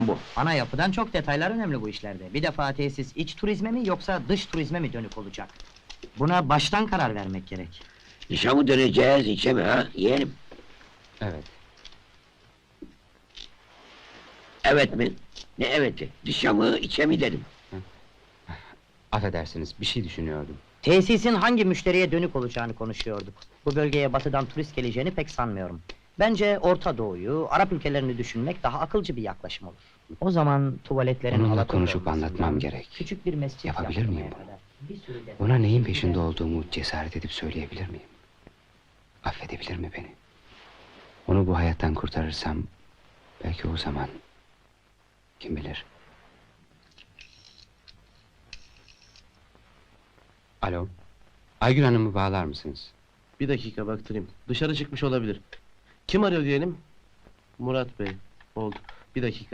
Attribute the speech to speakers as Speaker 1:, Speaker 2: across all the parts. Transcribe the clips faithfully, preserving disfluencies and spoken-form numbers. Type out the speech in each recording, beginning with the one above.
Speaker 1: bu.
Speaker 2: Ana yapıdan çok detaylar önemli bu işlerde. Bir defa tesis iç turizme mi yoksa dış turizme mi dönük olacak? Buna baştan karar vermek gerek.
Speaker 1: Dışa mı döneceğiz, içe mi ha, yeğenim?
Speaker 3: Evet.
Speaker 1: Evet mi? Ne eveti? Dışa mı, içe mi dedim?
Speaker 3: Affedersiniz, bir şey düşünüyordum.
Speaker 2: Tesisin hangi müşteriye dönük olacağını konuşuyorduk. Bu bölgeye batıdan turist geleceğini pek sanmıyorum. Bence Orta Doğu'yu, Arap ülkelerini düşünmek daha akılcı bir yaklaşım olur. O zaman tuvaletlerin
Speaker 3: Onunla
Speaker 2: Alaturka
Speaker 3: konuşup
Speaker 2: olmasından
Speaker 3: anlatmam gerek.
Speaker 2: Küçük bir mescit
Speaker 3: Yapabilir
Speaker 2: yaptırmaya
Speaker 3: miyim bunu?
Speaker 2: kadar bir sürü detay-
Speaker 3: Ona neyin peşinde olduğumu cesaret edip söyleyebilir miyim? Affedebilir mi beni? Onu bu hayattan kurtarırsam, belki o zaman, kim bilir? Alo, Aygül Hanım'ı bağlar mısınız?
Speaker 4: Bir dakika baktırayım. Dışarı çıkmış olabilir. Kim arıyor diyelim? Murat Bey. Oldu. Bir dakika.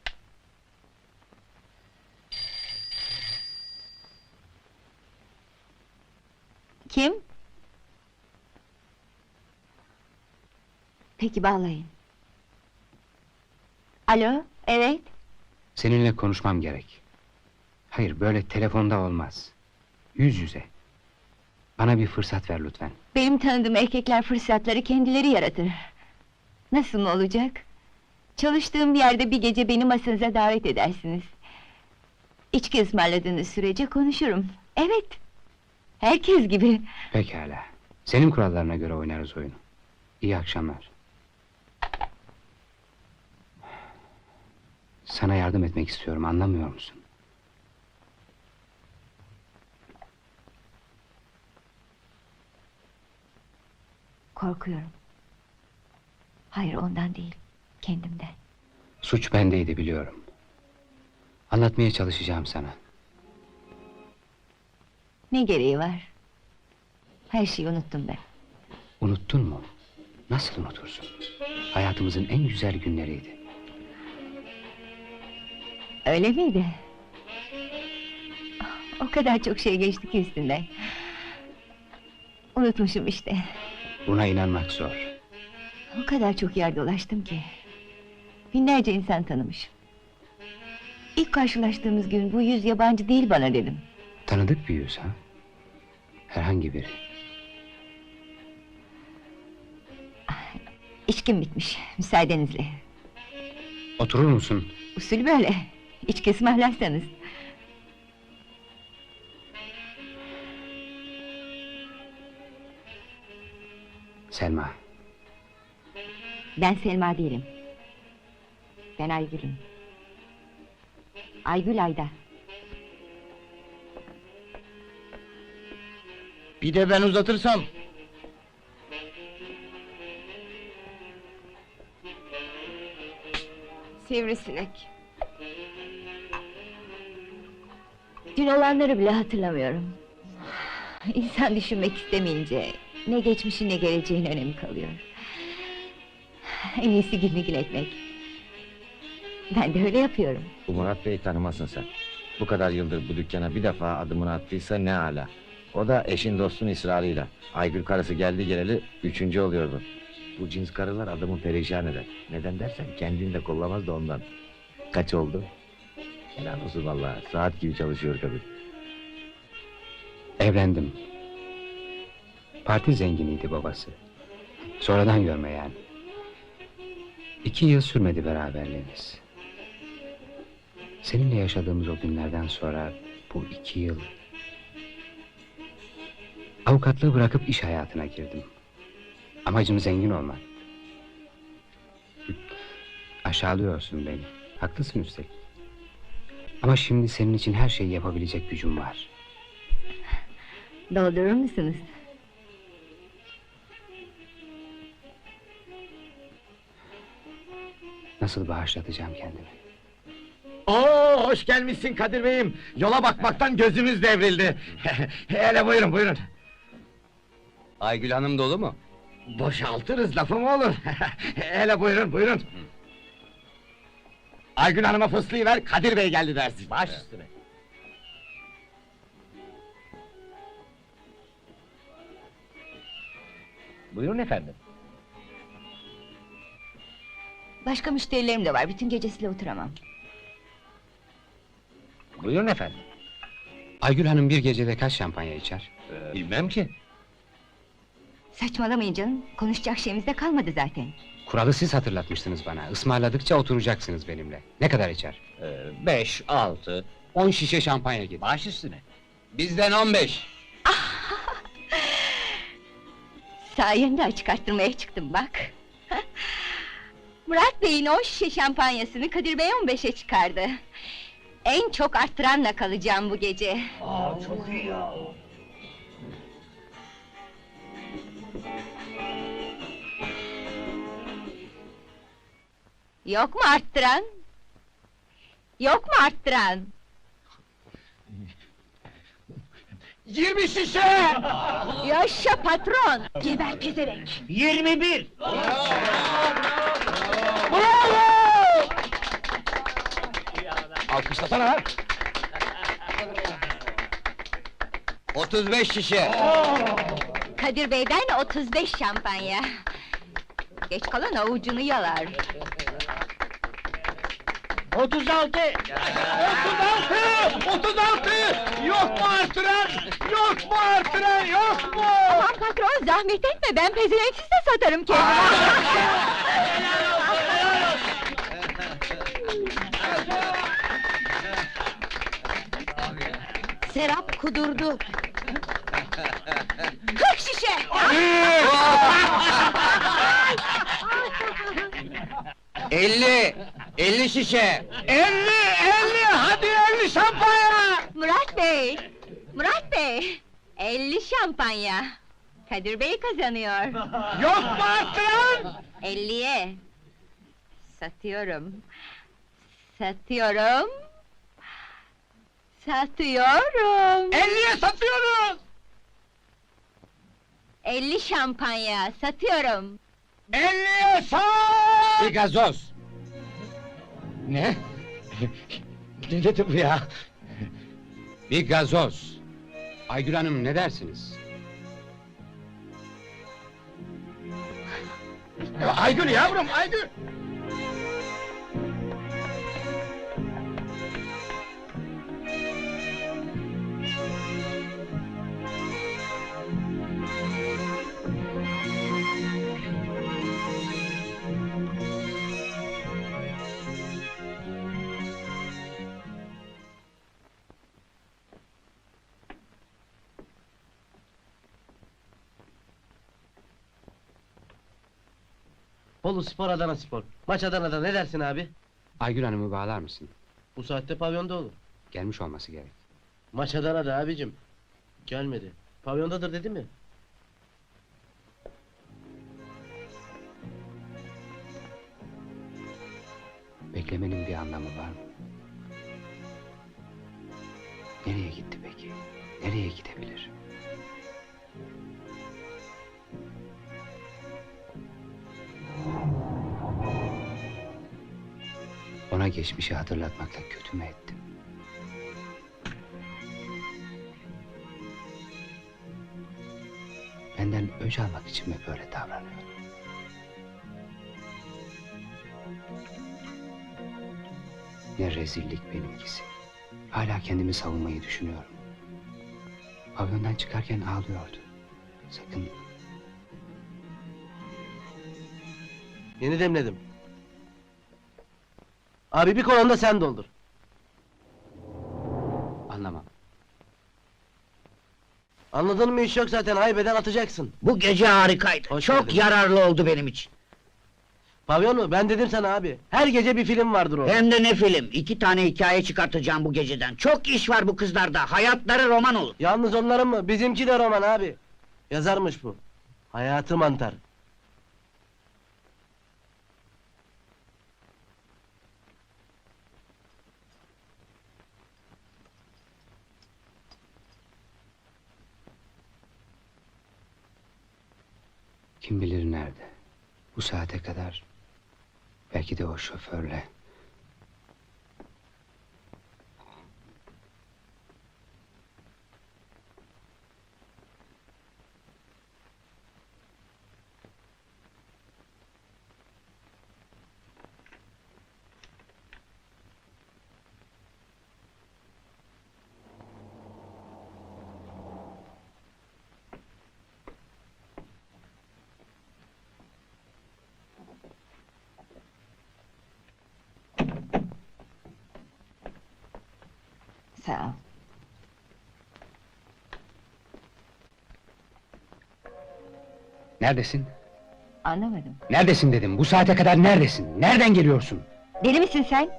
Speaker 5: Kim? Peki bağlayın. Alo, evet.
Speaker 3: Seninle konuşmam gerek. Hayır, böyle telefonda olmaz. Yüz yüze. Bana bir fırsat ver lütfen.
Speaker 5: Benim tanıdığım erkekler fırsatları kendileri yaratır. Nasıl mı olacak? Çalıştığım yerde bir gece beni masanıza davet edersiniz. İçki ısmarladığınız sürece konuşurum. Evet. Herkes gibi.
Speaker 3: Pekala. Senin kurallarına göre oynarız oyunu. İyi akşamlar. Sana yardım etmek istiyorum, anlamıyor musun?
Speaker 5: Korkuyorum. Hayır, ondan değil, kendimden.
Speaker 3: Suç bendeydi, biliyorum. Anlatmaya çalışacağım sana.
Speaker 5: Ne gereği var? Her şeyi unuttum ben.
Speaker 3: Unuttun mu? Nasıl unutursun? Hayatımızın en güzel günleriydi.
Speaker 5: Öyle miydi? O kadar çok şey geçti ki üstünden. Unutmuşum işte.
Speaker 3: Buna inanmak zor.
Speaker 5: O kadar çok yer dolaştım ki. Binlerce insan tanımışım. İlk karşılaştığımız gün bu yüz yabancı değil bana dedim.
Speaker 3: Tanıdık bir yüz ha? Herhangi biri.
Speaker 5: İçkim bitmiş, müsaadenizle.
Speaker 3: Oturur musun?
Speaker 5: Usul böyle. İçki ısmarlarsanız.
Speaker 3: Selma.
Speaker 5: Ben Selma değilim. Ben Aygül'üm. Aygül Ayda.
Speaker 1: Bir de ben uzatırsam.
Speaker 5: Sivrisinek. Dün olanları bile hatırlamıyorum. İnsan düşünmek istemeyince ne geçmişin ne geleceğin önemi kalıyor. En iyisi gülmegül etmek. Ben de öyle yapıyorum.
Speaker 6: Bu Murat Bey'i tanımazsın sen. Bu kadar yıldır bu dükkana bir defa adımını attıysa ne âlâ. O da eşin dostun ısrarıyla. Aygül karısı geldi geleli üçüncü oluyordu. Bu cins karılar adamı perişan eder. Neden dersen kendini de kollamaz da ondan. Kaç oldu? Helal olsun vallahi. Saat gibi çalışıyor kadın.
Speaker 3: Evlendim. Parti zenginiydi babası. Sonradan görme yani. İki yıl sürmedi beraberliğimiz. Seninle yaşadığımız o günlerden sonra bu iki yıl... Avukatlığı bırakıp iş hayatına girdim. Amacım zengin olmak. Aşağılıyorsun beni. Haklısın üstelik. Ama şimdi senin için her şeyi yapabilecek gücüm var.
Speaker 5: Doldurur musunuz?
Speaker 3: Nasıl bağışlatacağım kendimi?
Speaker 1: Oo, hoş gelmişsin Kadir Bey'im. Yola bakmaktan gözümüz devrildi. Hele buyurun, buyurun.
Speaker 3: Aygül Hanım dolu mu?
Speaker 1: Boşaltırız, lafı mı olur? Hele buyurun, buyurun. Aygün Hanım'a fıslayıver, Kadir Bey geldi dersin. Baş üstüne.
Speaker 6: Buyurun efendim.
Speaker 5: Başka müşterilerim de var, bütün gecesiyle oturamam.
Speaker 6: Buyurun efendim.
Speaker 3: Aygül Hanım bir gecede kaç şampanya içer?
Speaker 6: Bilmem ki.
Speaker 5: Saçmalamayın canım, konuşacak şeyimiz de kalmadı zaten.
Speaker 3: Kuralı siz hatırlatmıştınız bana. Ismarladıkça oturacaksınız benimle. Ne kadar içer?
Speaker 6: Beş, altı.
Speaker 3: On şişe şampanya getir.
Speaker 6: Baş üstüne.
Speaker 3: Bizden on beş.
Speaker 5: Sayende açık arttırmaya çıktım bak. Murat Bey'in on şişe şampanyasını Kadir Bey on beşe çıkardı. En çok arttıranla kalacağım bu gece. Yok mu arttıran? Yok mu arttıran?
Speaker 1: Yirmi şişe!
Speaker 5: Yaşa patron! Geber pezevenk!
Speaker 1: Yirmi bir! Alkışlasana lan!
Speaker 6: Otuz beş şişe.
Speaker 5: Kadir Bey'den otuz beş şampanya. Geç kalan avucunu yalar.
Speaker 1: Otuz altı! Otuz altı! Otuz altı! Yok mu artıran? Yok mu artıran? Yok mu?
Speaker 5: Aman patron zahmet etme, ben pezevenksiz de satarım kendimi. Serap kudurdu. Kırk şişe!
Speaker 6: Elli. Elli şişe.
Speaker 1: Elli! Elli! Hadi elli şampanya!
Speaker 5: Murat Bey! Murat Bey! elli şampanya! Kadir Bey kazanıyor.
Speaker 1: Yok mu artıran?
Speaker 5: elliye! Satıyorum. Satıyorum. Satıyorum.
Speaker 1: Elliye satıyoruz!
Speaker 5: elli şampanya satıyorum.
Speaker 1: Elliye sat!
Speaker 6: Bir gazoz.
Speaker 1: Ne? Ne dedi bu ya?
Speaker 3: Bir gazoz. Aygül Hanım ne dersiniz?
Speaker 1: Aygül yavrum, Aygül!
Speaker 4: Bolu Spor, Adana Spor. Maç Adana'da, ne dersin abi?
Speaker 3: Aygül Hanım'ı bağlar mısın?
Speaker 4: Bu saatte pavyonda olur.
Speaker 3: Gelmiş olması gerek.
Speaker 4: Maç Adana'da abicim. Gelmedi. Pavyondadır dedi mi?
Speaker 3: Beklemenin bir anlamı var mı? Nereye gitti peki? Nereye gidebilir? Ona geçmişi hatırlatmakla kötü mü ettim? Benden öc almak için mi böyle davranıyor? Ne rezillik benimkisi. Hala kendimi savunmayı düşünüyorum. Pavyondan çıkarken ağlıyordu. Sakın
Speaker 4: Yeni demledim. Abi bir kolonda sen doldur.
Speaker 3: anlamam.
Speaker 4: Anladın mı, iş yok zaten, haybeden atacaksın.
Speaker 7: Bu gece harikaydı.
Speaker 4: Hoş
Speaker 7: Çok
Speaker 4: geldin.
Speaker 7: yararlı oldu benim için.
Speaker 4: Pavyon mu? Ben dedim sana abi. Her gece bir film vardır orada.
Speaker 7: Hem de ne film. İki tane hikaye çıkartacağım bu geceden. Çok iş var bu kızlarda. Hayatları roman olur.
Speaker 4: Yalnız onların mı? Bizimki de roman abi. Yazarmış bu. Hayatı mantar.
Speaker 3: Kim bilir nerede? Bu saate kadar belki de o şoförle.
Speaker 5: Sağ ol.
Speaker 3: Neredesin?
Speaker 5: Anlamadım.
Speaker 3: Neredesin dedim. Bu saate kadar neredesin? Nereden geliyorsun?
Speaker 5: Deli misin sen?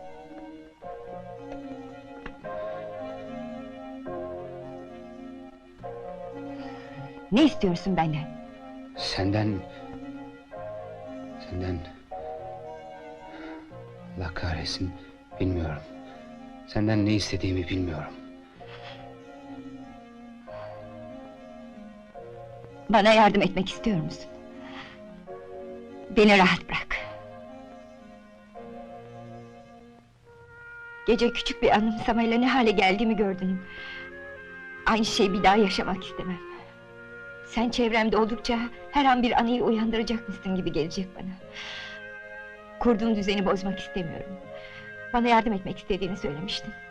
Speaker 5: Ne istiyorsun benden?
Speaker 3: Senden... Senden... Allah kahretsin, bilmiyorum. Senden ne istediğimi bilmiyorum.
Speaker 5: Bana yardım etmek istiyor musun? Beni rahat bırak. Gece küçük bir anımsamayla ne hale geldiğimi gördün. Aynı şeyi bir daha yaşamak istemem. Sen çevremde oldukça her an bir anıyı uyandıracakmışsın gibi gelecek bana. Kurduğum düzeni bozmak istemiyorum. Bana yardım etmek istediğini söylemiştin.